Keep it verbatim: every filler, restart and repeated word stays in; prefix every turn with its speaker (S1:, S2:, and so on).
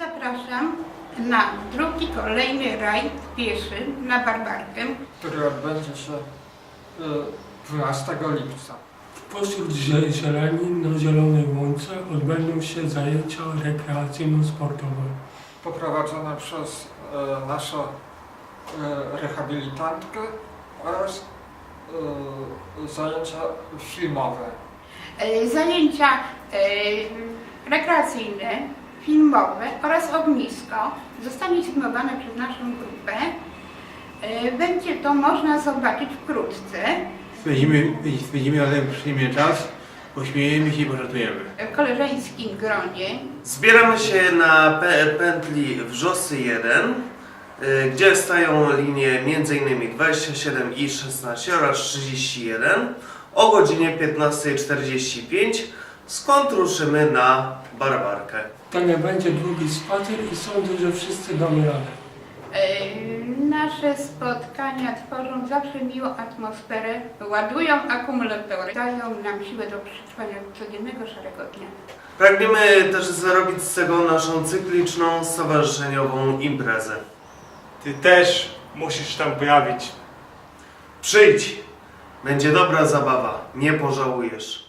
S1: Zapraszam na drugi, kolejny rajd pieszy na Barbarkę,
S2: który odbędzie się dwunastego lipca.
S3: Pośród zie- zieleni na Zielonej Łące odbędą się zajęcia rekreacyjno-sportowe.
S2: Poprowadzone przez e, naszą e, rehabilitantkę oraz e, zajęcia filmowe.
S1: E, zajęcia e, rekreacyjne, filmowe oraz ognisko zostanie filmowane przez naszą grupę. E, będzie to można zobaczyć wkrótce.
S4: Spędzimy, spędzimy razem przyjemny czas, pośmiejemy się i pożartujemy.
S1: W koleżeńskim gronie.
S5: Zbieramy się na pe- pętli Wrzosy jeden, y, gdzie stają linie między innymi dwadzieścia siedem i szesnaście oraz trzydzieści jeden o godzinie piętnastej czterdzieści pięć, skąd ruszymy na Barbarkę.
S3: To nie będzie długi spacer i sądzę, że wszyscy damy radę.
S1: E, Nasze spotkania tworzą zawsze miłą atmosferę, ładują akumulatory, dają nam siłę do przetrwania codziennego szarego dnia.
S5: Pragniemy też zrobić z tego naszą cykliczną, stowarzyszeniową imprezę.
S6: Ty też musisz tam pojawić.
S5: Przyjdź! Będzie dobra zabawa, nie pożałujesz.